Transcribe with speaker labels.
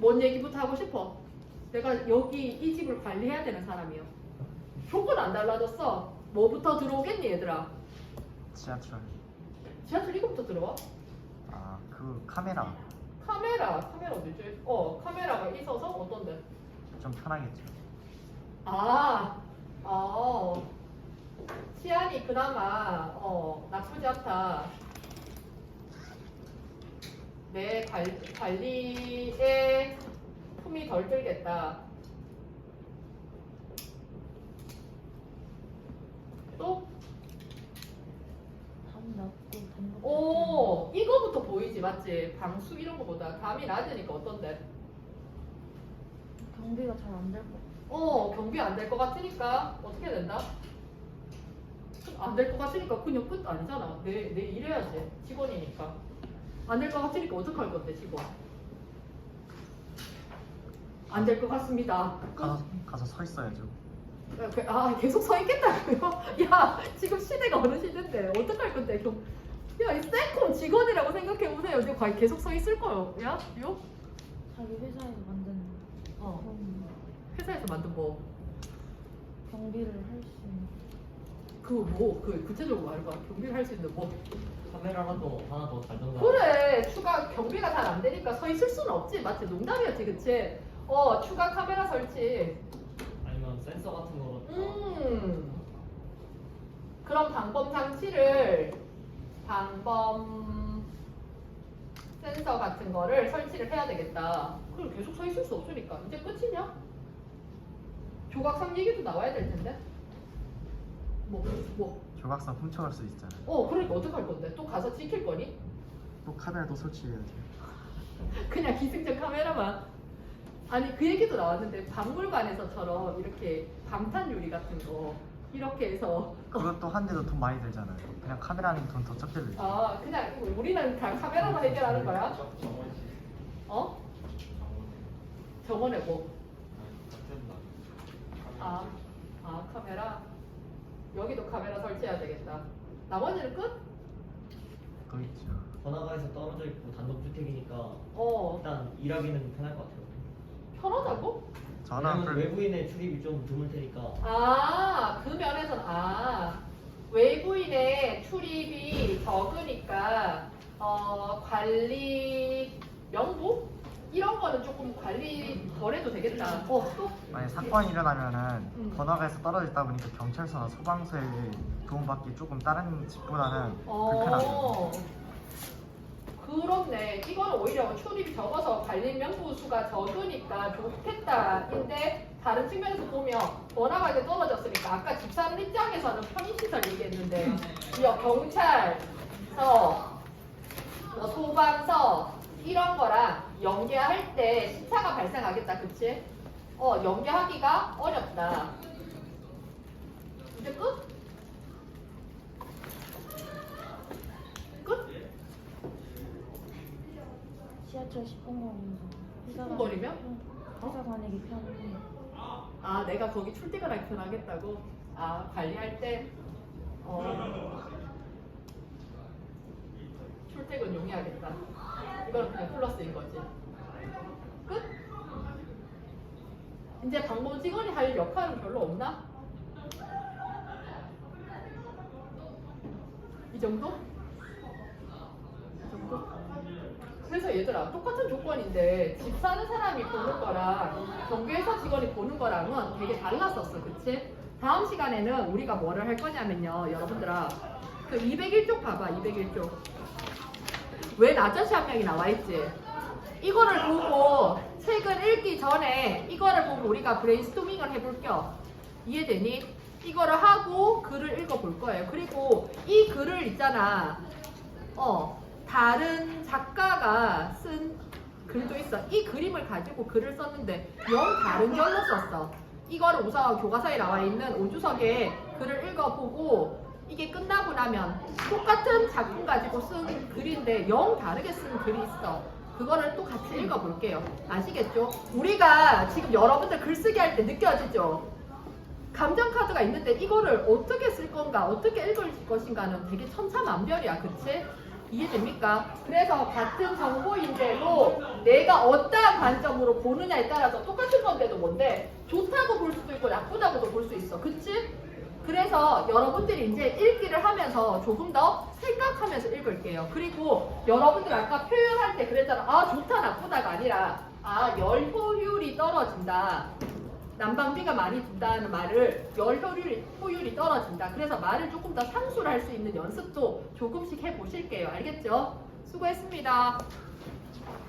Speaker 1: 뭔 얘기부터 하고 싶어? 내가 여기 이 집을 관리해야 되는 사람이요. 조건 안 달라졌어. 뭐부터 들어오겠니 얘들아?
Speaker 2: 지하철.
Speaker 1: 지하철 이거부터 들어와?
Speaker 2: 아, 그 카메라.
Speaker 1: 카메라 어디지? 카메라가 있어서 어떤데?
Speaker 2: 좀 편하겠죠.
Speaker 1: 치안이 그나마 나쁘지 않다. 내 관리에 품이 덜 들겠다. 또?
Speaker 3: 담 낮고
Speaker 1: 오, 이거부터 보이지, 맞지? 방수 이런 거보다 담이 낮으니까 어떤데?
Speaker 3: 경비가 잘 안 될 거.
Speaker 1: 경비 안 될 것 같으니까 어떻게 된다? 안 될 것 같으니까 그냥 끝 아니잖아. 내 일해야지. 직원이니까. 안 될 것 같으니까 어떡할 건데, 직원? 안 될 것 같습니다. 끝.
Speaker 2: 가서 서 있어야죠.
Speaker 1: 계속 서 있겠다고요? 야, 지금 시대가 어느 시대인데 어떡할 건데? 야, 이 셀콤 직원이라고 생각해보세요. 지금 과연 계속 서 있을 거요? 야,
Speaker 3: 자기 회사에서 만든 그런
Speaker 1: 회사에서 만든 뭐?
Speaker 3: 경비를 할 수 있는.
Speaker 1: 그 구체적으로 말해봐. 경비를 할 수 있는 뭐?
Speaker 4: 카메라라도 하나 더 달던가.
Speaker 1: 그래, 추가 경비가 잘 안 되니까 서 있을 수는 없지. 맞지? 농담이었지, 그치? 추가 카메라 설치.
Speaker 4: 아니면 센서 같은 거로.
Speaker 1: 그런 방범 센서 같은 거를 설치를 해야 되겠다. 그럼 계속 서 있을 수 없으니까. 이제 끝이냐? 조각상 얘기도 나와야 될 텐데. 뭐.
Speaker 2: 조각상 훔쳐갈 수 있잖아요.
Speaker 1: 그러니까 어떡할 건데? 또 가서 지킬 거니?
Speaker 2: 또 카메라도 설치해야죠.
Speaker 1: 그냥 기승전 카메라만. 아니, 그 얘기도 나왔는데 박물관에서처럼 이렇게 방탄 유리 같은 거 이렇게 해서
Speaker 2: 그것도 한데도 돈 많이 들잖아요. 그냥 카메라는 돈 더 적게 들죠.
Speaker 1: 그냥 우리는 다 카메라만 해결하는 거야? 정원에 뭐? 카메라? 여기도 카메라 설치해야 되겠다. 나머지는 끝?
Speaker 2: 또 있죠.
Speaker 4: 번화가에서 떨어져 있고 단독주택이니까 일단 일하기는 편할 것 같아요.
Speaker 1: 편하다고?
Speaker 2: 저는
Speaker 4: 왜냐면 외부인의 출입이 좀 드물 테니까.
Speaker 1: 그 면에서는 외부인의 출입이 적으니까 관리 명부? 이런 거는 조금 관리 덜 해도 되겠다. 또?
Speaker 2: 만약 사건이 일어나면은 번화가에서 떨어져 있다 보니까 경찰서나 소방서에 도움받기 조금 다른 집보다는 불편하죠.
Speaker 1: 그렇네. 이거는 오히려 출입이 적어서 관리 명부 수가 적으니까 좋겠다인데 다른 측면에서 보면 번화가에 떨어졌으니까 아까 집사람 입장에서는 편의시설 얘기했는데 경찰서, 소방서 이런 거랑 연계할 때 시차가 발생하겠다. 그치? 연계하기가 어렵다. 이제 끝? 끝?
Speaker 3: 지하철 10분 거리면서
Speaker 1: 10분 거리면?
Speaker 3: 회사 다니기 편해.
Speaker 1: 내가 거기 출퇴근하기 편하겠다고? 관리할 때? 출퇴근 용이하겠다. 이거는 그냥 플러스인 거지. 끝? 이제 방문 직원이 할 역할은 별로 없나? 이 정도? 그래서 얘들아, 똑같은 조건인데 집 사는 사람이 보는 거랑 경비회사 직원이 보는 거랑은 되게 달랐었어. 그치? 다음 시간에는 우리가 뭐를 할 거냐면요, 여러분들아, 그 201쪽 봐봐. 201쪽 왜 아저씨 한 명이 나와 있지? 이거를 보고 책을 읽기 전에 이거를 보고 우리가 브레인스토밍을 해볼 겸, 이해되니? 이거를 하고 글을 읽어볼 거예요. 그리고 이 글을 있잖아, 다른 작가가 쓴 글도 있어. 이 그림을 가지고 글을 썼는데 영 다른 결로 썼어. 이거를 우선 교과서에 나와 있는 오주석의 글을 읽어보고 이게 끝나고 나면 똑같은 작품 가지고 쓴 글인데 영 다르게 쓴 글이 있어. 그거를 또 같이 읽어볼게요. 아시겠죠? 우리가 지금 여러분들 글쓰기 할 때 느껴지죠? 감정카드가 있는데 이거를 어떻게 쓸 건가, 어떻게 읽을 것인가는 되게 천차만별이야. 그치? 이해됩니까? 그래서 같은 정보인데도 내가 어떠한 관점으로 보느냐에 따라서 똑같은 건데도 뭔데 좋다고 볼 수도 있고 나쁘다고도 볼 수 있어. 그치? 그래서 여러분들이 이제 읽기를 하면서 조금 더 생각하면서 읽을게요. 그리고 여러분들 아까 표현할 때 그랬잖아. 아 좋다 나쁘다가 아니라 아 열 효율이 떨어진다. 난방비가 많이 든다는 말을 열 효율이 떨어진다. 그래서 말을 조금 더 상수를 할 수 있는 연습도 조금씩 해보실게요. 알겠죠? 수고했습니다.